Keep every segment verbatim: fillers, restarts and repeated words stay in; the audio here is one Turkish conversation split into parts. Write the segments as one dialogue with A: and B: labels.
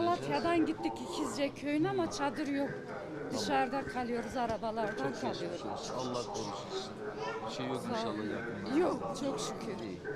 A: Malatya'dan gittik İkizce köyüne ama çadır yok. Dışarıda kalıyoruz, arabalardan kalıyoruz.
B: Allah korusun. Bir şey yok inşallah yakında.
A: Yok, çok şükür.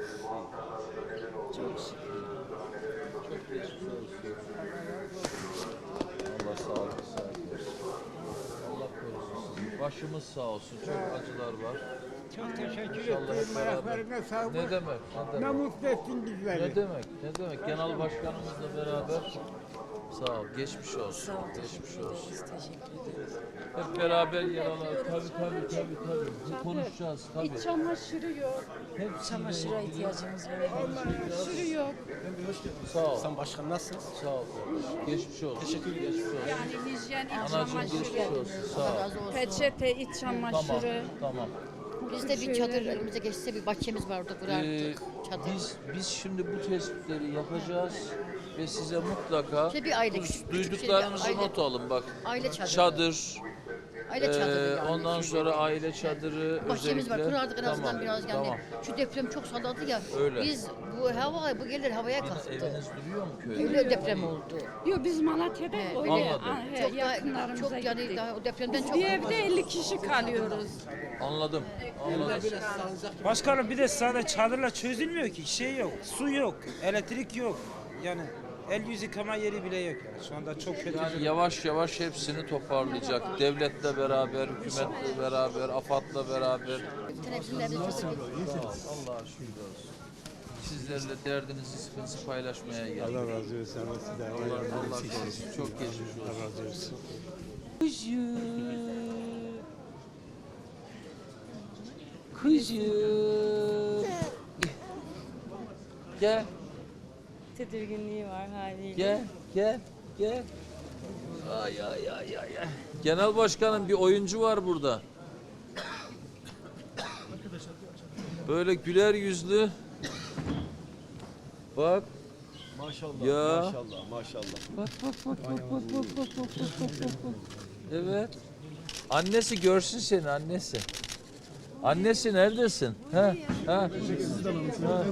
A: Çok şükür.
B: Çok geçmiş olsun. Allah sağlık sıhhat versin. Allah korusun sizi. Başımız sağ olsun. Çok acılar var.
C: Çok teşekkür
B: İnşallah
C: ederim.
B: hep beraber.
C: Ayaklarına sağlık.
B: Ne demek? Ne
C: Ne
B: demek?
C: mutlu ettin bizleri.
B: Ne demek? Ne demek? Genel başkanımızla beraber sağ ol. Geçmiş olsun. Geçmiş olsun. Hep beraber yer alalım. Tabii tabii tabii tabii. Bu konuşacağız tabii.
A: İç çamaşırı yok.
B: Hepsiyle
D: Çamaşıra
B: ilgili-
D: ihtiyacımız var.
A: Çamaşırı yok.
B: Sağ ol.
E: Sen başkan nasılsın?
B: Sağ ol. Geçmiş olsun. Teşekkür ederim. Geçmiş olsun.
A: Yani hijyen, iç
B: Anacığım geçmiş
A: çamaşırı,
B: olsun. Sağ ol.
D: Razı olsun.
A: peçete, iç
B: Tamam.
A: çamaşırı.
B: Tamam.
D: Biz de bir çadır elimize geçse bir bahçemiz var orada
B: Ee,
D: kurardık. Çadır.
B: biz biz şimdi bu tespitleri yapacağız ve size mutlaka
D: İşte bir aile,
B: du-
D: küçük- küçük
B: duyduklarınızı
D: şey bir aile.
B: not alın bak.
D: Aile çadırı.
B: Çadır,
D: Aile çadırı
B: ee,
D: yani.
B: ondan sonra aile çadırı
D: Bahçemiz var.
B: özellikle.
D: Kurardık en azından
B: Tamam,
D: biraz yani.
B: Tamam.
D: Şu deprem çok salladı ya.
B: Öyle.
D: Biz bu hava bu gelir havaya kalktı.
B: Eviniz duruyor mu köyde?
D: Öyle deprem oldu.
A: Yok biz Malatya'da
D: He,
A: öyle
B: Anladım.
A: ah, he,
D: Çok daha
A: yakınlarımıza
D: çok yani
A: gittik.
D: daha o depremden çok
A: Bir evde elli kişi kalıyoruz.
B: Anladım. Anladım.
F: Başkanım bir de sadece çadırla çözülmüyor ki. Şey yok, su yok, elektrik yok. Yani el yüz yıkama yeri bile yok. Yani. Şu anda çok kötü.
B: Yani yavaş yavaş hepsini toparlayacak. Devletle beraber, hükümetle beraber, AFAD'la beraber.
D: bütün hepsinde biz çok
B: Sağ ol. Allah'a şükür olsun. Sizlerle derdinizi, sıkıntınızı paylaşmaya geldik.
G: Allah razı olsun. Allah sizden
B: Allah, Allah korusun. Çok geçmiş olsun.
G: Allah razı olsun.
B: Kızım. Kızım. Gel,
H: Tedirginliği var haliyle.
B: gel, gel, gel. Ay ay ay ay. ay. Genel başkanım bir oyuncu var burada. Böyle güler yüzlü. Bak.
E: Maşallah,
B: Ya.
E: maşallah, maşallah.
B: Bak bak bak bak bak bak bak bak bak bak bak bak. Evet. Annesi görsün seni annesi. Annesi neredesin? Ha? Ha? Ha.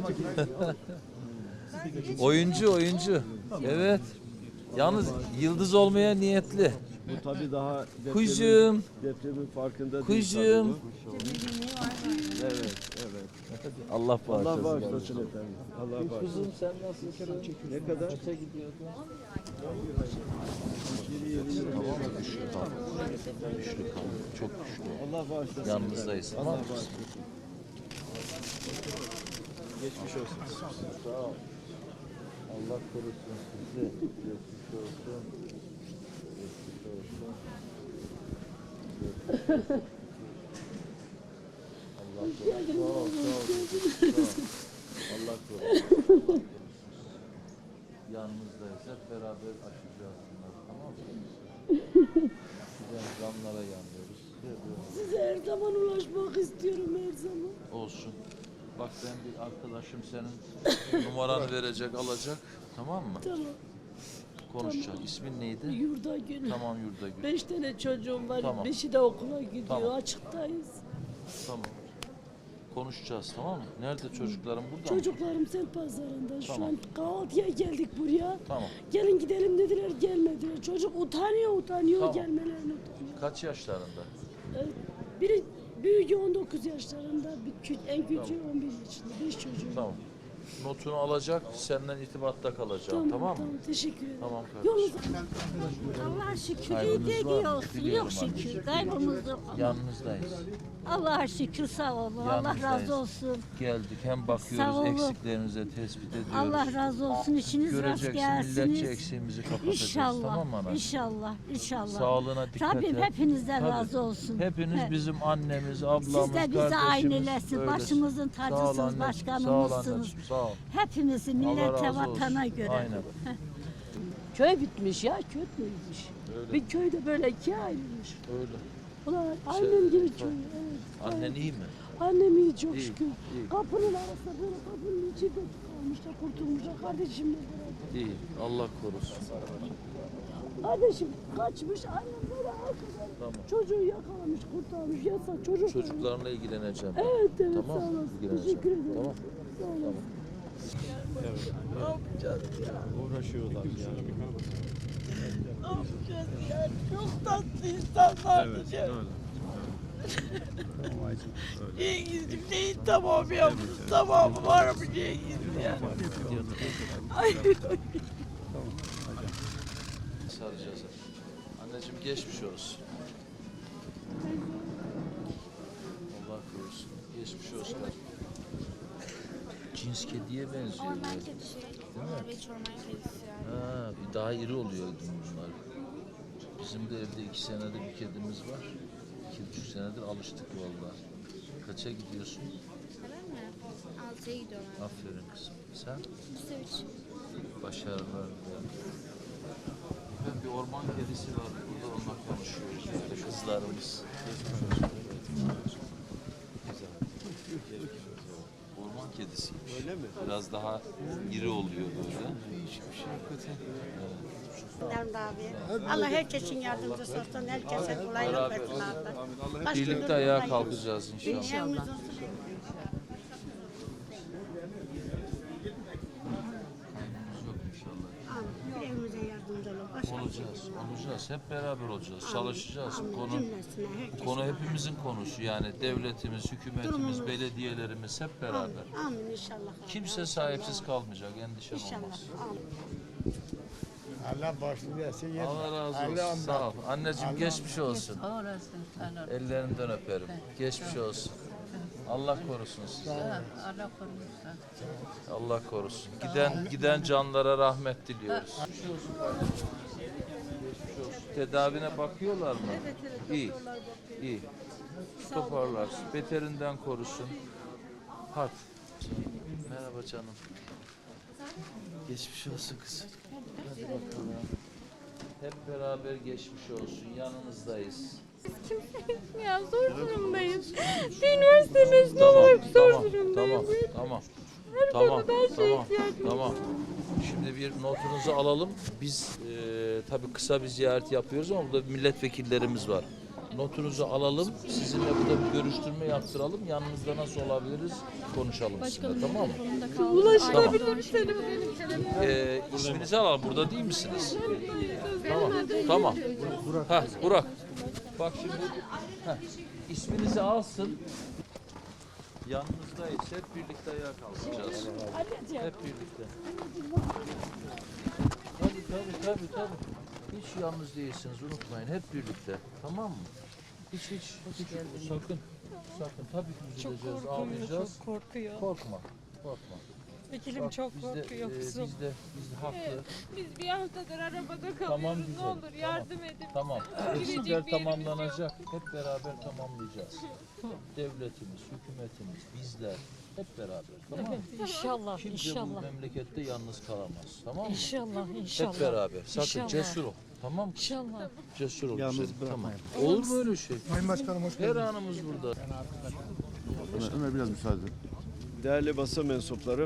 B: Oyuncu oyuncu. Evet. Yalnız yıldız olmaya niyetli.
E: Bu tabii daha depremin,
B: Kuzum.
E: depremin farkında
B: Kuzum.
E: değil tabii bu. Evet, evet.
B: Allah
E: Allah
B: bağışlasın.
E: bağışlasın efendim. Allah bağışlasın.
B: Kuzum sen nasılsın?
E: Ne kadar?
B: Kaça gidiyordun?
E: Tamam mı?
B: Güçlü kal. Güçlü kal. Çok güçlü.
E: Allah bağışlasın.
B: Yanınızdayız.
E: Allah
B: Tamam mı?
E: bağışlasın. Geçmiş olsun.
B: Sağ ol. Allah korusun sizi. Geçmiş olsun. Geçmiş olsun. Geçmiş olsun. Allah korusun. Sağ ol, sağ ol. Sağ ol. Allah korusun. Yanınızdayız. Hep beraber aşacağız bunları. Tamam mı? Giden zamlara yanıyoruz.
H: Size her zaman ulaşmak istiyorum her zaman.
B: Olsun. Bak ben bir arkadaşım senin numaranı verecek, alacak. Tamam mı?
H: Tamam.
B: Konuşacağız. İsmin neydi?
H: Yurda gün.
B: Tamam Yurdagül.
H: Beş tane çocuğum var.
B: Tamam.
H: Beşi de okula gidiyor.
B: Tamam.
H: Açıktayız.
B: Tamam. Konuşacağız tamam mı? Nerede çocuklarım burada mı?
H: Çocuklarım Sent Pazarı'nda. Şu
B: Tamam.
H: an kahvaltıya geldik buraya.
B: Tamam.
H: Gelin gidelim dediler, gelmediler. Çocuk utanıyor utanıyor
B: Tamam.
H: gelmelerini utanıyor.
B: Kaç yaşlarında?
H: Ee, Biri büyüğü on dokuz yaşlarında, bir kü- en küçüğü on bir yaşında. Beş çocuğum.
B: Tamam. Notunu alacak, senden irtibatta kalacağım tamam, mı?
H: Teşekkür ederim.
B: Tamam kardeşim.
H: Yolunuz
I: Allah'a şükür
B: Kaybınız
I: iyi
B: var
I: de
B: mı?
I: olsun.
B: Biliyorum
I: Yok
B: anne.
I: şükür. Kaybımız yok.
B: Yanınızdayız.
I: Allah'a şükür sağ olun. Allah
B: Yanınızdayız.
I: razı olsun.
B: Geldik hem
I: Sağ
B: bakıyoruz
I: olun.
B: eksiklerinize tespit ediyoruz.
I: Allah razı olsun. İşiniz rast
B: Göreceksin milletçe
I: gelsiniz.
B: eksiğimizi kapatacağız.
I: İnşallah.
B: Tamam mı anacığım?
I: İnşallah. İnşallah.
B: Sağlığına dikkat
I: Rabbim
B: et.
I: hepinizden
B: Tabii.
I: razı olsun.
B: Hepiniz
I: He.
B: bizim annemiz, ablamız,
I: Siz de bize
B: kardeşimiz.
I: ailesin.
B: öylesin.
I: Başımızın
B: Sağ ol
I: tacısınız,
B: anneciğim,
I: başkanımızsınız.
B: Sağ ol anneciğim, sağ ol.
I: Hepimizi
B: Allah
I: millete,
B: razı olsun.
I: vatana göre.
B: Aynen.
H: köy bitmiş ya, köy bitmiş.
B: Öyle.
H: Bir köyde böyle ikiye ayrılmış.
B: Öyle.
H: Ulan
B: Şey,
H: annem gibi
B: tabii.
H: köy. Evet.
B: Annen iyi mi?
H: Annem iyi çok
B: İyi,
H: şükür.
B: iyi.
H: Kapının arasında böyle kapının içinde kalmışlar, kurtulmuşlar. Kardeşimle beraber.
B: İyi. Allah korusun.
H: Kardeşim kaçmış, annem böyle arkadan
B: Tamam.
H: çocuğu yakalamış, kurtarmış. Yasak çocuk.
B: Çocuklarla ilgileneceğim.
H: Evet evet
B: Tamam.
H: sağ olasın.
B: İlgileneceğim.
H: Teşekkür ederim.
B: Tamam.
H: Sağ olasın.
E: Uğraşıyorlar yani.
G: Çok tatlı insanlar.
E: Evet, öyle.
G: Cengiz'im neyin tamamı yapmış, tamamı var mı Cengiz ya? Ay.
B: Saracağız. Anneciğim geçmiş olsun. Allah korusun. Geçmiş olsun. Cins kediye benziyor.
J: Orman
B: biraz.
J: kedisi. Norveç orman kedisi yani.
B: Ha, bir daha iri oluyor bunlar. Bizim de evde iki senedir bir kedimiz var. İki buçuk senedir alıştık vallahi. Kaça gidiyorsun?
J: Ben mi? Altıya gidiyorum abi.
B: Aferin kızım. Sen?
J: Lise üç.
B: Başarılar. Ben bir orman kedisi var. Burada onunla konuşuyoruz. Böyle kızlarımız. Orman kedisi.
E: Öyle mi?
B: Biraz daha iri oluyor böyle.
H: Nerede abi? Allah herkesin yardımcısı olsun. Herkese kolaylık
B: Beraber.
H: versin abi. Baş
B: Birlikte
H: günü
B: ayağa
H: buradayız.
B: kalkacağız inşallah.
H: İnşallah.
B: Yok inşallah.
H: Amin. Evimize yardımcı olun. Baş
B: Olacağız, olacağız. Hep beraber olacağız. Çalışacağız. Bu konu,
H: cümlesine herkes.
B: bu konu hepimizin konusu. Yani devletimiz, hükümetimiz,
H: Durumumuz.
B: belediyelerimiz hep beraber.
H: Amin inşallah.
B: Kimse sahipsiz kalmayacak, endişen
H: İnşallah.
B: olmaz.
H: Amin.
C: Allah başını versin.
B: Allah razı olsun.
C: Allah
B: Sağ ol. Anneciğim geçmiş olsun.
I: Orası.
B: Ellerinden öperim. Geçmiş olsun. Allah korusun sizi.
I: Allah korusun.
B: Allah korusun. Giden giden canlara rahmet diliyoruz. Geçmiş olsun kardeşim. Geçmiş olsun. Tedavine bakıyorlar mı? Evet evet. İyi. İyi. Toparlarsın. Beterinden korusun. Hadi. Merhaba canım. Geçmiş olsun kızım. Hadi bakalım. Hep beraber geçmiş olsun. Yanınızdayız.
J: Ya zor durumdayız. Bir üniversite mezunu
B: Tamam,
J: olarak zor
B: tamam,
J: durumdayım.
B: tamam, tamam,
J: Her
B: tamam,
J: konuda her şeye
B: tamam,
J: ihtiyacım var.
B: tamam. Şimdi bir notunuzu alalım. Biz e, tabii kısa bir ziyaret yapıyoruz ama burada milletvekillerimiz var. Notunuzu alalım. Sizinle burada bir görüştürme yaptıralım. Yanınızda nasıl olabiliriz konuşalım sizinle, tamam mı?
J: Ulaşılabilir bir telefon benim telefonum.
B: E, isminizi alalım. Burada değil misiniz? Tamam, tamam. Heh, Burak. Bak şimdi, heh, isminizi alsın. Yanınızdayız. Hep birlikte ayağa kalkacağız. Hep birlikte. Tabii tabii tabii tabii. Hiç yalnız değilsiniz, unutmayın. Hep birlikte. Tamam mı? Hiç hiç, hiç sakın. Sakın. Tabii ki üzüleceğiz, ağlayacağız.
A: Çok korkuyor.
B: Korkma. Korkma.
A: Vekilim
B: Bak,
A: çok
B: biz de,
A: korkuyor
B: e,
A: kızım.
B: Biz de, biz de haklı.
J: Biz bir haftadır arabada kalıyoruz.
B: Tamam güzel.
J: Ne olur
B: tamam.
J: yardım edin.
B: Tamam.
J: Girecek
B: Eksikler
J: bir yerimiz
B: tamamlanacak. Hep beraber tamamlayacağız. Devletimiz, hükümetimiz, bizler hep beraber. Tamam mı?
A: İnşallah,
B: Kimse bu
A: inşallah.
B: memlekette yalnız kalamaz. Tamam mı?
A: İnşallah, inşallah.
B: Hep beraber. Sakın
A: İnşallah.
B: cesur ol. Tamam mı?
A: İnşallah.
B: Cesur ol.
E: Yalnız
B: güzelim,
E: bırakmayın.
B: Tamam. Olur mu öyle şey?
C: Sayın Başkanım hoş
B: Her anımız burada.
E: Ömer, Ömer biraz müsaade. Değerli basın mensupları,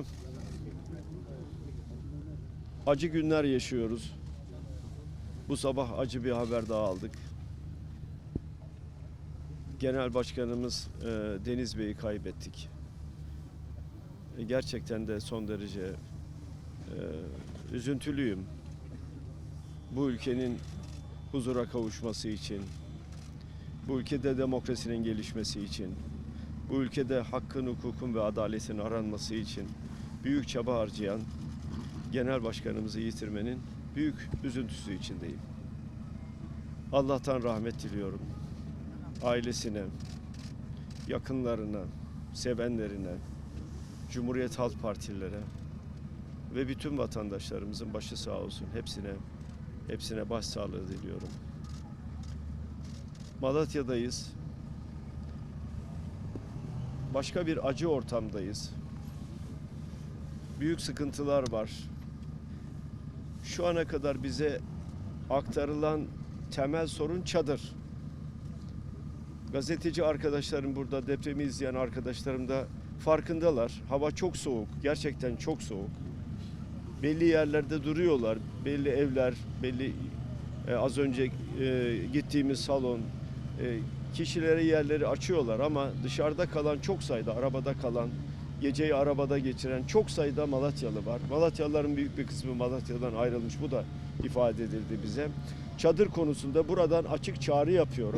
E: acı günler yaşıyoruz. Bu sabah acı bir haber daha aldık. Genel Başkanımız e, Deniz Bey'i kaybettik. E, gerçekten de son derece e, üzüntülüyüm. Bu ülkenin huzura kavuşması için, bu ülkede demokrasinin gelişmesi için, bu ülkede hakkın, hukukun ve adaletin aranması için büyük çaba harcayan Genel Başkanımızı yitirmenin büyük üzüntüsü içindeyim. Allah'tan rahmet diliyorum. Ailesine, yakınlarına, sevenlerine, Cumhuriyet Halk Partililere ve bütün vatandaşlarımızın başı sağ olsun. Hepsine, hepsine başsağlığı diliyorum. Malatya'dayız. Başka bir acı ortamdayız. Büyük sıkıntılar var. Şu ana kadar bize aktarılan temel sorun çadır. Gazeteci arkadaşlarım burada, depremi izleyen arkadaşlarım da farkındalar. Hava çok soğuk, gerçekten çok soğuk. Belli yerlerde duruyorlar, belli evler, belli e, az önce e, gittiğimiz salon, e, kişilere yerleri açıyorlar ama dışarıda kalan çok sayıda, arabada kalan geceyi arabada geçiren çok sayıda Malatyalı var. Malatyalıların büyük bir kısmı Malatya'dan ayrılmış. Bu da ifade edildi bize. Çadır konusunda buradan açık çağrı yapıyorum.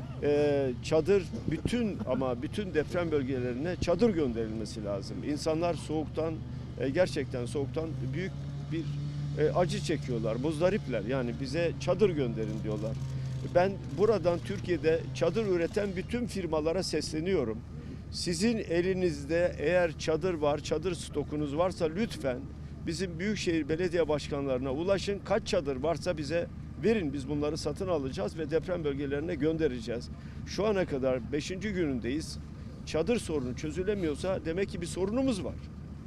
E: Ee, çadır bütün ama bütün deprem bölgelerine çadır gönderilmesi lazım. İnsanlar soğuktan e, gerçekten soğuktan büyük bir e, acı çekiyorlar. Muzdaripler. Yani bize çadır gönderin diyorlar. Ben buradan Türkiye'de çadır üreten bütün firmalara sesleniyorum. Sizin elinizde eğer çadır var, çadır stokunuz varsa lütfen bizim Büyükşehir Belediye Başkanlarına ulaşın. Kaç çadır varsa bize verin. Biz bunları satın alacağız ve deprem bölgelerine göndereceğiz. Şu ana kadar beşinci günündeyiz. Çadır sorunu çözülemiyorsa demek ki bir sorunumuz var.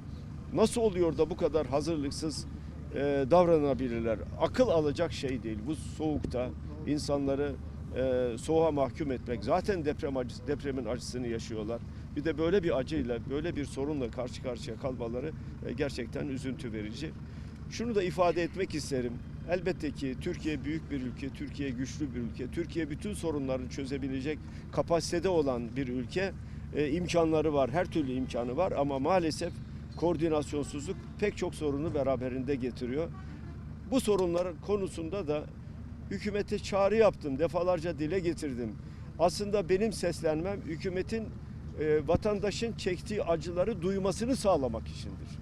E: Nasıl oluyor da bu kadar hazırlıksız e, davranabilirler? Akıl alacak şey değil. Bu soğukta insanları e, soğuğa mahkum etmek. Zaten deprem acısı, depremin acısını yaşıyorlar. Bir de böyle bir acıyla, böyle bir sorunla karşı karşıya kalmaları e, gerçekten üzüntü verici. Şunu da ifade etmek isterim. Elbette ki Türkiye büyük bir ülke, Türkiye güçlü bir ülke. Türkiye bütün sorunları çözebilecek kapasitede olan bir ülke. E, imkanları var, her türlü imkanı var ama maalesef koordinasyonsuzluk pek çok sorunu beraberinde getiriyor. Bu sorunlar konusunda da hükümete çağrı yaptım, defalarca dile getirdim. Aslında benim seslenmem hükümetin e, vatandaşın çektiği acıları duymasını sağlamak içindir.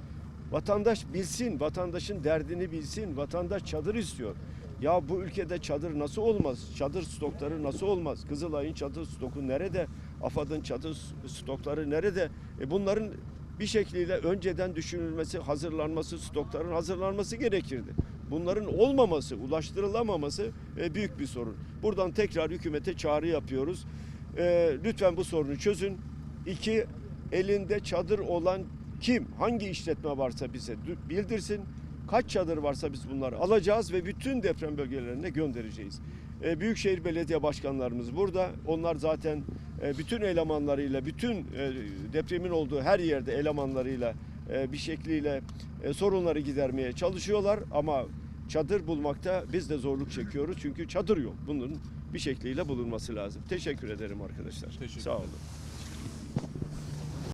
E: Vatandaş bilsin, vatandaşın derdini bilsin, vatandaş çadır istiyor. Ya bu ülkede çadır nasıl olmaz? Çadır stokları nasıl olmaz? Kızılay'ın çadır stoku nerede? AFAD'ın çadır stokları nerede? E bunların bir şekliyle önceden düşünülmesi, hazırlanması, stokların hazırlanması gerekirdi. Bunların olmaması, ulaştırılamaması e, büyük bir sorun. Buradan tekrar hükümete çağrı yapıyoruz. E, lütfen bu sorunu çözün. İki, elinde çadır olan kim, hangi işletme varsa bize bildirsin. Kaç çadır varsa biz bunları alacağız ve bütün deprem bölgelerine göndereceğiz. E, Büyükşehir Belediye Başkanlarımız burada. Onlar zaten e, bütün elemanlarıyla, bütün e, depremin olduğu her yerde elemanlarıyla e, bir şekliyle e, sorunları gidermeye çalışıyorlar. Ama çadır bulmakta biz de zorluk çekiyoruz. Çünkü çadır yok. Bunun bir şekliyle bulunması lazım. Teşekkür ederim arkadaşlar.
B: Teşekkür
E: Sağ olun.